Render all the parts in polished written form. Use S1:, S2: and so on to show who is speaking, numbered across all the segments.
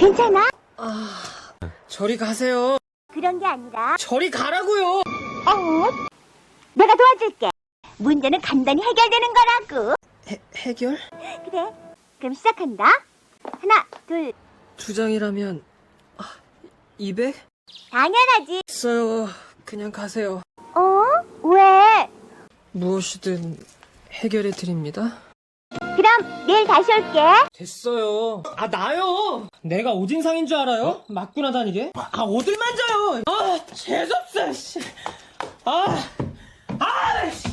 S1: 괜찮아?
S2: 저리 가세요.
S1: 그런 게 아니라.
S2: 저리 가라고요.
S1: 내가 도와줄게. 문제는 간단히 해결되는 거라고.
S2: 해결?
S1: 그래. 그럼 시작한다. 하나, 둘.
S2: 2장이라면 200?
S1: 당연하지.
S2: 있어요. 그냥 가세요.
S1: 왜?
S2: 무엇이든 해결해 드립니다.
S1: 그럼 내일 다시 올게.
S2: 됐어요. 나요. 내가 오진상인 줄 알아요? 맞구나 다니게. 어딜 만져요. 재수없어. 씨. 씨.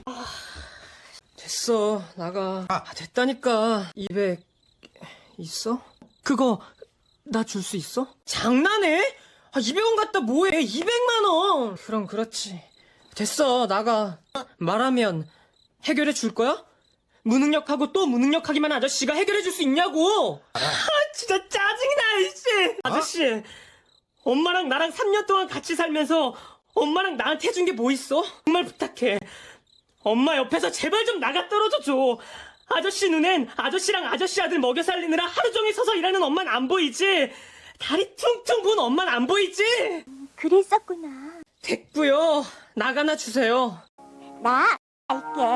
S2: 됐어. 나가. 됐다니까. 200 있어? 그거 나 줄 수 있어? 장난해? 200원 갖다 뭐해? 200만 원. 그럼 그렇지. 됐어. 나가. 말하면 해결해 줄 거야? 무능력하고 또 무능력하기만 아저씨가 해결해 줄 수 있냐고! 진짜 짜증나, 이씨! 아저씨, 엄마랑 나랑 3년 동안 같이 살면서 엄마랑 나한테 해준 게 뭐 있어? 정말 부탁해. 엄마 옆에서 제발 좀 나가 떨어져줘. 아저씨 눈엔 아저씨랑 아저씨 아들 먹여 살리느라 하루 종일 서서 일하는 엄마는 안 보이지? 다리 퉁퉁 부은 엄마는 안 보이지?
S1: 그랬었구나.
S2: 됐고요. 나가나 주세요.
S1: 나 갈게.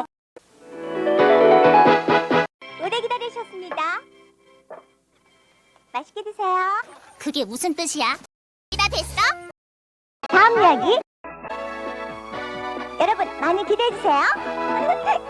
S1: 오래 기다리셨습니다. 맛있게 드세요.
S3: 그게 무슨 뜻이야? 다 됐어?
S1: 다음 이야기. 여러분 많이 기대해주세요.